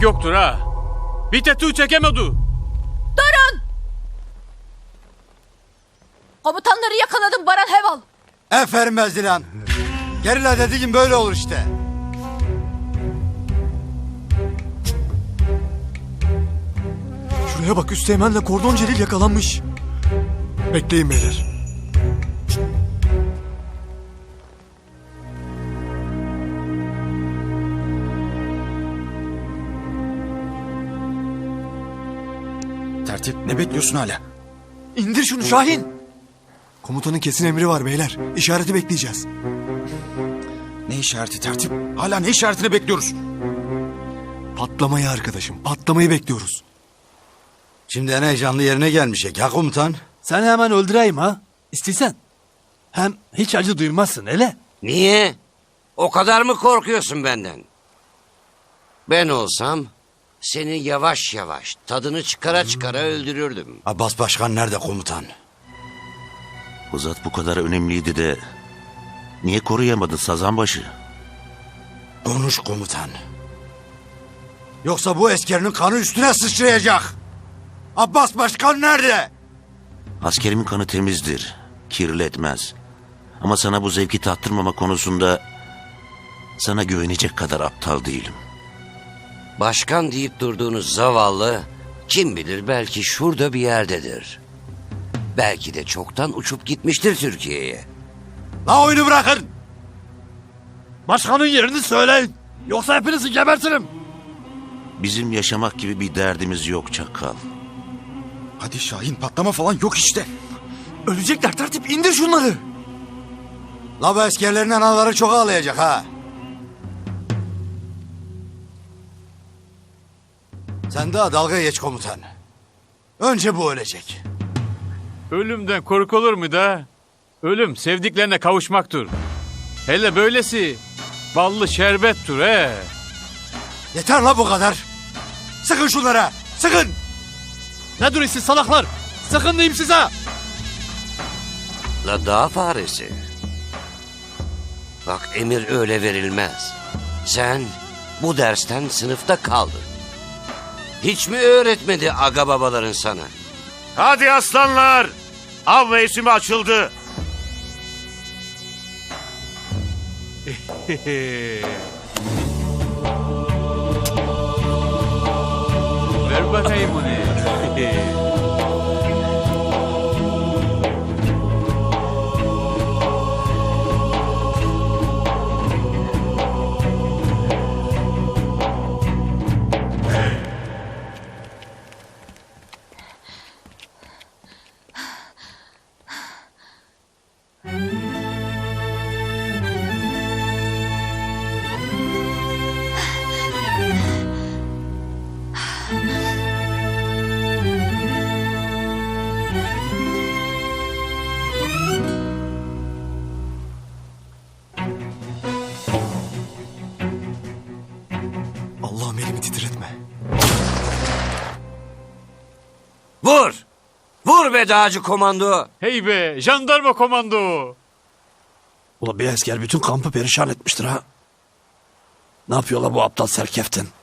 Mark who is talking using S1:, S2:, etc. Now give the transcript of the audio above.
S1: yoktur ha. Bir tetu çekemedi.
S2: Durun! Komutanları yakaladım Baran Heval.
S3: Aferin Bezdilan. Gerilla dediğin böyle olur işte.
S4: Şuraya bak, Üsteğmen'le Kordon Celil yakalanmış. Bekleyin beyler.
S3: Tertip, ne bekliyorsun hala?
S4: İndir şunu Şahin. Komutanın kesin emri var beyler. İşareti bekleyeceğiz.
S3: Ne işareti Tertip? Hala ne işaretini bekliyoruz?
S4: Patlamayı arkadaşım. Patlamayı bekliyoruz.
S3: Şimdi en heyecanlı yerine gelmişek ya komutan.
S5: Sen hemen öldüreyim ha. İstesen. Hem hiç acı duymazsın hele.
S6: Niye? O kadar mı korkuyorsun benden? Ben olsam seni yavaş yavaş tadını çıkara çıkara öldürürdüm.
S3: Abbas Başkan nerede komutan?
S7: Bu zat bu kadar önemliydi de niye koruyamadın Sazanbaşı?
S3: Konuş komutan. Yoksa bu eskerinin kanı üstüne sıçrayacak. Abbas Başkan nerede?
S7: Askerimin kanı temizdir, kirletmez. Ama sana bu zevki tattırmama konusunda sana güvenecek kadar aptal değilim.
S6: Başkan deyip durduğunuz zavallı kim bilir belki şurada bir yerdedir. Belki de çoktan uçup gitmiştir Türkiye'ye.
S3: La oyunu bırakın.
S5: Başkanın yerini söyleyin. Yoksa hepinizi gebertirim.
S7: Bizim yaşamak gibi bir derdimiz yok çakal.
S3: Hadi Şahin, patlama falan yok işte.
S4: Ölecekler Tertip, indir şunları.
S3: La bu eskerlerin anaları çok ağlayacak ha. Sen daha dalga geç komutan. Önce bu ölecek.
S1: Ölümden korkulur mu da? Ölüm sevdiklerine kavuşmaktır. Hele böylesi ballı şerbettir he.
S3: Yeter la bu kadar. Sıkın şunlara, sıkın.
S5: Ne duruyorsun salaklar? Sakın diyeyim size.
S6: La dağ faresi. Bak emir öyle verilmez. Sen bu dersten sınıfta kaldın. Hiç mi öğretmedi aga babaların sana?
S8: Hadi aslanlar! Av mevsimi açıldı.
S1: Ver bakayım onu.
S4: Allah'ım elimi titretme.
S6: Vur! Vur be dağcı komando!
S1: Hey be jandarma komando.
S5: Ula bir asker bütün kampı perişan etmiştir ha. Ne yapıyorlar bu aptal serkeftin?